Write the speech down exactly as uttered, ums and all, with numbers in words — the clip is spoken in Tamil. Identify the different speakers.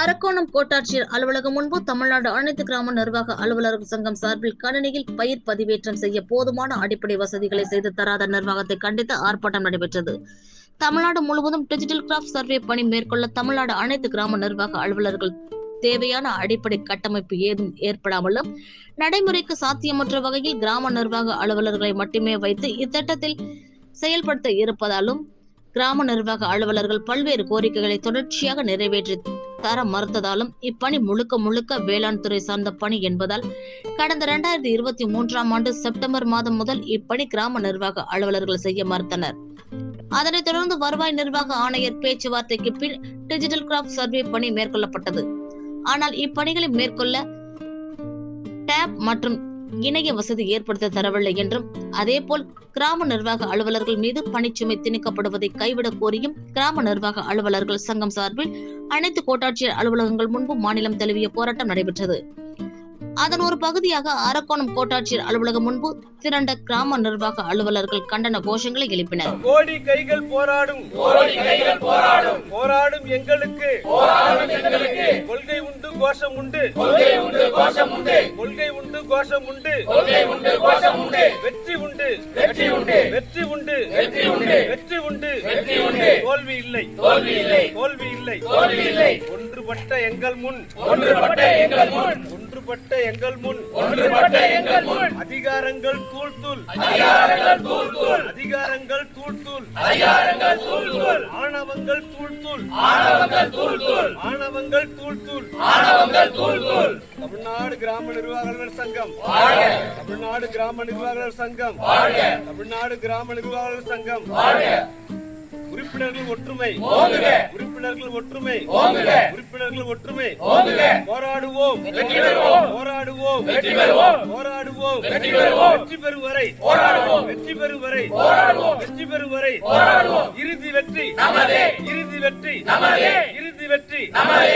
Speaker 1: அரக்கோணம் கோட்டாட்சியர் அலுவலகம் முன்பு தமிழ்நாடு அனைத்து கிராம நிர்வாக அலுவலர்கள் சங்கம் சார்பில் கணினியில் பயிர் பதிவேற்றம் செய்ய போதுமான அடிப்படை வசதிகளை செய்து தராத நிர்வாகத்தை கண்டித்து ஆர்ப்பாட்டம் நடைபெற்றது. தமிழ்நாடு முழுவதும் டிஜிட்டல் கிராஃப்ட் சர்வே பணி மேற்கொள்ள தமிழ்நாடு அனைத்து கிராம நிர்வாக அலுவலர்கள் தேவையான அடிப்படை கட்டமைப்பு ஏதும் ஏற்படாமலும் நடைமுறைக்கு சாத்தியமற்ற வகையில் கிராம நிர்வாக அலுவலர்களை மட்டுமே வைத்து இத்திட்டத்தில் செயல்படுத்த இருப்பதாலும் கிராம நிர்வாக அலுவலர்கள் பல்வேறு கோரிக்கைகளை தொடர்ச்சியாக நிறைவேற்றி தர மறுத்ததாலும் இப்பணி முழுக்க முழுக்க வேளாண் துறை சார்ந்த பணி என்பதால் கடந்த இரண்டாயிரத்தி இருபத்தி மூன்றாம் ஆண்டு செப்டம்பர் மாதம் முதல் இப்பணி கிராம நிர்வாக அலுவலர்கள் செய்ய மறுத்தனர். அதனைத் தொடர்ந்து வருவாய் நிர்வாக ஆணையர் பேச்சுவார்த்தைக்கு பின் டிஜிட்டல் கிராஃப்ட் சர்வே பணி மேற்கொள்ளப்பட்டது. ஆனால் இப்பணிகளை மேற்கொள்ள டேப் மற்றும் இணைய வசதி ஏற்படுத்த தரவில்லை என்றும் அதேபோல் கிராம நிர்வாக அலுவலர்கள் மீது பணிச்சுமை திணிக்கப்படுவதை கைவிடக் கோரியும் கிராம நிர்வாக அலுவலர்கள் சங்கம் சார்பில் அனைத்து கோட்டாட்சியர் அலுவலகங்கள் முன்பு மாநிலம் தழுவிய போராட்டம் நடைபெற்றது. அதன் ஒரு பகுதியாக அரக்கோணம் கோட்டாட்சியர் அலுவலகம் முன்பு திரண்ட கிராம நிர்வாக அலுவலர்கள் கண்டன கோஷங்களை எழுப்பினர்.
Speaker 2: கோடி கைகள் போராடும் கோடி கைகள் போராடும் போராடும் எங்களுக்கு போராடும் எங்களுக்கு கொள்கை உண்டு கோஷம் உண்டு கொள்கை உண்டு கோஷம் உண்டு கொள்கை உண்டு கோஷம் உண்டு கொள்கை உண்டு கோஷம் உண்டு வெற்றி உண்டு வெற்றி உண்டு வெற்றி உண்டு வெற்றி உண்டு வெற்றி உண்டு வெற்றி உண்டு தோல்வி இல்லை தோல்வி இல்லை தோல்வி இல்லை தோல்வி இல்லை ஒன்றுபட்ட எங்கள் முன் ஒன்றுபட்ட எங்கள் முன் ஒன்றுபட்ட எங்கள் முன் ஒன்றுபட்ட எங்கள் முன் அதிகாரங்கள் தூள் தூள் அதிகாரங்கள் தூள் தூள் அதிகாரங்கள் தூள் தூள் அதிகாரங்கள் தூள் தூள் ஆணவங்கள் தூள் தூள் ஆணவங்கள் தூள் தூள் ஆணவங்கள் தூள் தூள் ஆணவங்கள் தூள் தூள் தமிழ்நாடு கிராம நிர்வாகர்கள் சங்கம் வாழ்க தமிழ்நாடு கிராம நிர்வாகர்கள் சங்கம் வாழ்க தமிழ்நாடு கிராம நிர்வாகர்கள் சங்கம் வாழ்க உறுப்பினர்கள் ஒற்றுமை உறுப்பினர்கள் ஒற்றுமை உறுப்பினர்கள் ஒற்றுமை போராடுவோம் போராடுவோம் போராடுவோம் வெற்றி பெறும் வரை வெற்றி பெறும் வரை வெற்றி பெறும் வரை இறுதி வெற்றி இறுதி வெற்றி இறுதி வெற்றி